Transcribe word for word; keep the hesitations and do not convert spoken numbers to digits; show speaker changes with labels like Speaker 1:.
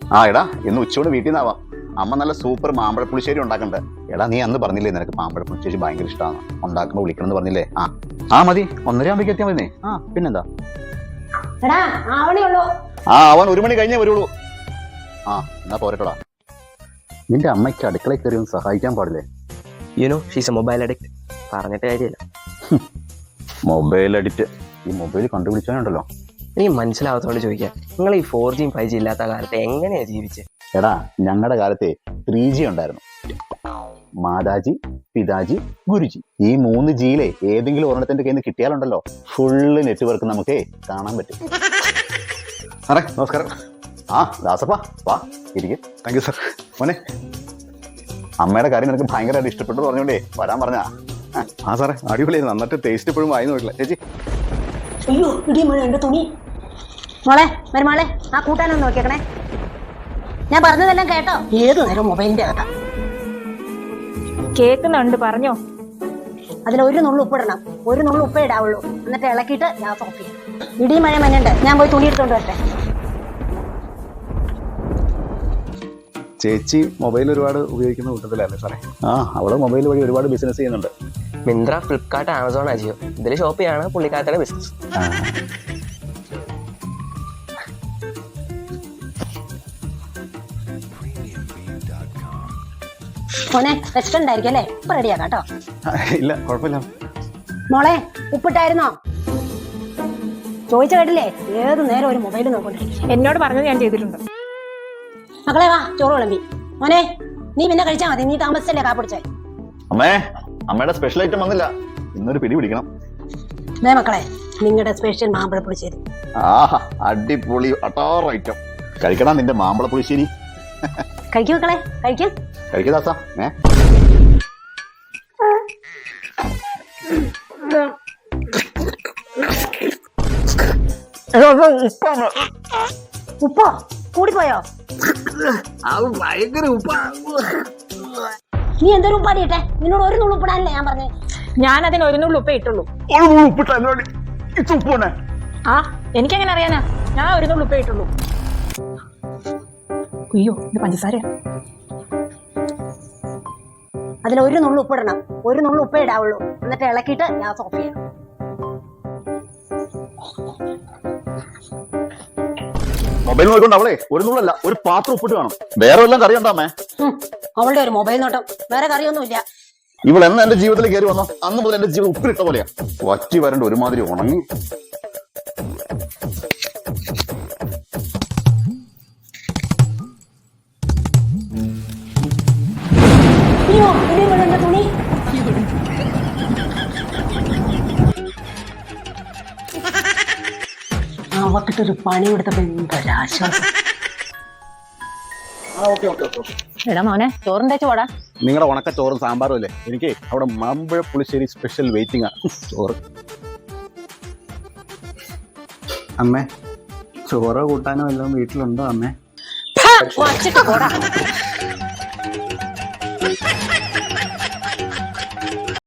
Speaker 1: ആ എടാ ഇന്ന് ഉച്ചയോട് വീട്ടിൽ നിന്നാവാം. അമ്മ നല്ല സൂപ്പർ മാമ്പഴ പുളിശ്ശേരി ഉണ്ടാക്കണ്ട്. എടാ നീ അന്ന് പറഞ്ഞില്ലേ നിനക്ക് മാമ്പഴ പുളിശ്ശേരി ഭയങ്കര ഇഷ്ടമാണ്, ഉണ്ടാക്കുമ്പോൾ വിളിക്കണം എന്ന് പറഞ്ഞില്ലേ? ആ ആ മതി, ഒന്നര ആകുമ്പോഴേക്ക് എത്തിയാൽ മതി. ആ പിന്നെന്താ, ആ അവൻ ഒരു മണി കഴിഞ്ഞേ വരുള്ളൂ. ആ എന്നാ പോരട്ടോടാ. നിന്റെ അമ്മയ്ക്ക് അടുക്കളയിൽ കയറി ഒന്ന് സഹായിക്കാൻ പാടില്ലേ?
Speaker 2: You know she's a mobile addict. പറഞ്ഞിട്ട് കാര്യമില്ല.
Speaker 1: Mobile addict. ഈ മൊബൈൽ കണ്ടുപിടിച്ചാലുണ്ടല്ലോ.
Speaker 2: എനിക്ക് മനസ്സിലാവാത്തോണ്ട് ചോദിക്കാം, നിങ്ങൾ ഈ ഫോർ ജിയും ഫൈവ് ജി ഇല്ലാത്ത കാലത്ത് എങ്ങനെയാ ജീവിച്ചത്?
Speaker 1: എടാ ഞങ്ങളുടെ കാലത്തെ ത്രീ ജി ഉണ്ടായിരുന്നു. മാതാജി, പിതാജി, ഗുരുജി, ഈ മൂന്ന് ജിയിലെ ഏതെങ്കിലും ഒരെണ്ണത്തിന്റെ കയ്യിൽ നിന്ന് കിട്ടിയാലുണ്ടല്ലോ ഫുള്ള് നെറ്റ്വർക്ക് നമുക്ക് കാണാൻ പറ്റും. സാറേ നമസ്കാരം. ആ ദാസപ്പാ വാ ഇരിക്കും. Thank you sir. മോനെ അമ്മയുടെ കാര്യം നിനക്ക് ഭയങ്കരമായിട്ട് ഇഷ്ടപ്പെട്ടു പറഞ്ഞോണ്ടേ വരാൻ പറഞ്ഞാ. ആ സാറേ അടിപൊളിയായിരുന്നു, നന്നിട്ട് ടേസ്റ്റ് ഇപ്പോഴും വായി നോക്കില്ല. ചേച്ചി
Speaker 3: അയ്യോ ഇടിമഴ എന്റെ തുണി. മോളെ മരുമോളെ ആ കൂട്ടാനൊന്ന് നോക്കിയേക്കണേ. ഞാൻ പറഞ്ഞതെല്ലാം കേട്ടോ? ഏതു നേരം മൊബൈലിന്റെ അകത്താ.
Speaker 4: കേൾക്കുന്നുണ്ട്, പറഞ്ഞോ.
Speaker 3: അതിൽ ഒരു നുള്ളു ഉപ്പിടണം, ഒരു നുള്ളു ഉപ്പേ ഇടാവുള്ളൂ. എന്നിട്ട് ഇളക്കിയിട്ട് ഗ്യാസ് ഓഫ് ചെയ്യും. ഇടി മഴ മഞ്ഞുണ്ട്, ഞാൻ പോയി തുണി എടുത്തോണ്ട് വരട്ടെ.
Speaker 1: ചേച്ചി മൊബൈൽ ഒരുപാട് ഉപയോഗിക്കുന്ന കൂട്ടത്തിലല്ലേ സാറേ? ആ അവള് മൊബൈൽ വഴി ഒരുപാട് ബിസിനസ് ചെയ്യുന്നുണ്ട്.
Speaker 2: മിന്ത്ര, ഫ്ലിപ്കാർട്ട്, ആമസോൺ, അജിയോ ഇതിൽ ഷോപ്പ് ചെയ്യാണ് പുള്ളിക്കാരുടെ ബിസിനസ്.
Speaker 3: മോനെ റെസ്റ്റോറന്റ് ആയിരിക്കും അല്ലേ? ഇപ്പൊ റെഡിയാക്കാം കേട്ടോ.
Speaker 1: ഇല്ല കുഴപ്പമില്ല.
Speaker 3: മോളെ ഉപ്പിട്ടായിരുന്നോ? ചോദിച്ച കേട്ടില്ലേ? ഏതു നേരം ഒരു മൊബൈൽ നോക്കൊണ്ടിരിക്കും.
Speaker 4: എന്നോട് പറഞ്ഞത് ഞാൻ ചെയ്തിട്ടുണ്ട്.
Speaker 3: മക്കളെ വാ ചോറ് വിളമ്പി. മോനെ നീ പിന്നെ കഴിച്ചാൽ മതി, നീ താമസിച്ചല്ലേ കാപ്പിടിച്ചേ.
Speaker 1: അമ്മേ അമ്മയുടെ സ്പെഷ്യൽ ഐറ്റം വന്നില്ല, ഇന്നൊരു പിടി പിടിക്കണം.
Speaker 3: ദേ മക്കളെ നിങ്ങളുടെ സ്പെഷ്യൽ മാമ്പഴ പുളിശ്ശേരി.
Speaker 1: ആഹാ അടിപൊളി അട്ടാറ് ഐറ്റം. കഴിക്കണം നിന്റെ മാമ്പഴ പുളിശ്ശേരി.
Speaker 3: കഴിക്കും മക്കളെ കഴിക്കും.
Speaker 1: കഴിക്കദാസ. ഏ
Speaker 3: ഉപ്പോ കൂടിപ്പോയോ?
Speaker 2: ഭയങ്കര ഉപ്പാ.
Speaker 3: നീ എന്തൊരു ഉപ്പാടിയിട്ടെ? നിന്നോട് ഒരു നുള്ളു ഉപ്പിടാനല്ലേ ഞാൻ പറഞ്ഞേ?
Speaker 4: ഞാൻ അതിന് ഒരു നുള്ളു ഉപ്പേ ഇട്ടുള്ളൂ. ആ എനിക്കെങ്ങനെ അറിയാനാ? ഞാൻ ഒരു നുള്ളു ഉപ്പേ ഇട്ടുള്ളൂ. അയ്യോ ഇത് പഞ്ചസാര.
Speaker 3: അതിൽ ഒരു നുള്ളു ഉപ്പിടണം, ഒരു നുള്ളു ഉപ്പേ ഇടാവുള്ളൂ. എന്നിട്ട് ഇളക്കിയിട്ട് ഗ്യാസ് ഓഫ് ചെയ്യണം.
Speaker 1: മൊബൈൽ നോക്കിക്കൊണ്ട് അവളെ ഒരു നുള്ളല്ല ഒരു പാത്രം ഉപ്പിട്ട് വേണം. വേറെ വല്ലതും കറി ഉണ്ടാമേ?
Speaker 3: അവളുടെ ഒരു മൊബൈൽ നോട്ടം, വേറെ കറിയൊന്നുമില്ല.
Speaker 1: ഇവൾ എന്ന് എന്റെ ജീവിതത്തിൽ കയറി വന്നോ അന്ന് മുതൽ എന്റെ ജീവിതം ഉപ്പിലിട്ട പോലെയാ. വറ്റി വരണ്ട ഒരുമാതിരി ഉണങ്ങി.
Speaker 3: അയ്യോ എന്റെ തുണി. അവക്കിട്ടൊരു പണി കൊടുത്തപ്പോ എന്തൊരാശ്വാസം.
Speaker 4: എടാ മോനെ ചോറും തേച്ച് പോടാ.
Speaker 1: നിങ്ങളുടെ ഉണക്ക ചോറും സാമ്പാറും അല്ലേ? എനിക്ക് അവിടെ മാമ്പഴ പുളിശ്ശേരി സ്പെഷ്യൽ വെയിറ്റിംഗ് ആണ്. ചോറ് അമ്മേ ചോറോ കൂട്ടാനോ എല്ലാം വീട്ടിലുണ്ടോ അമ്മേ?
Speaker 3: വച്ചിട്ട് പോടാ.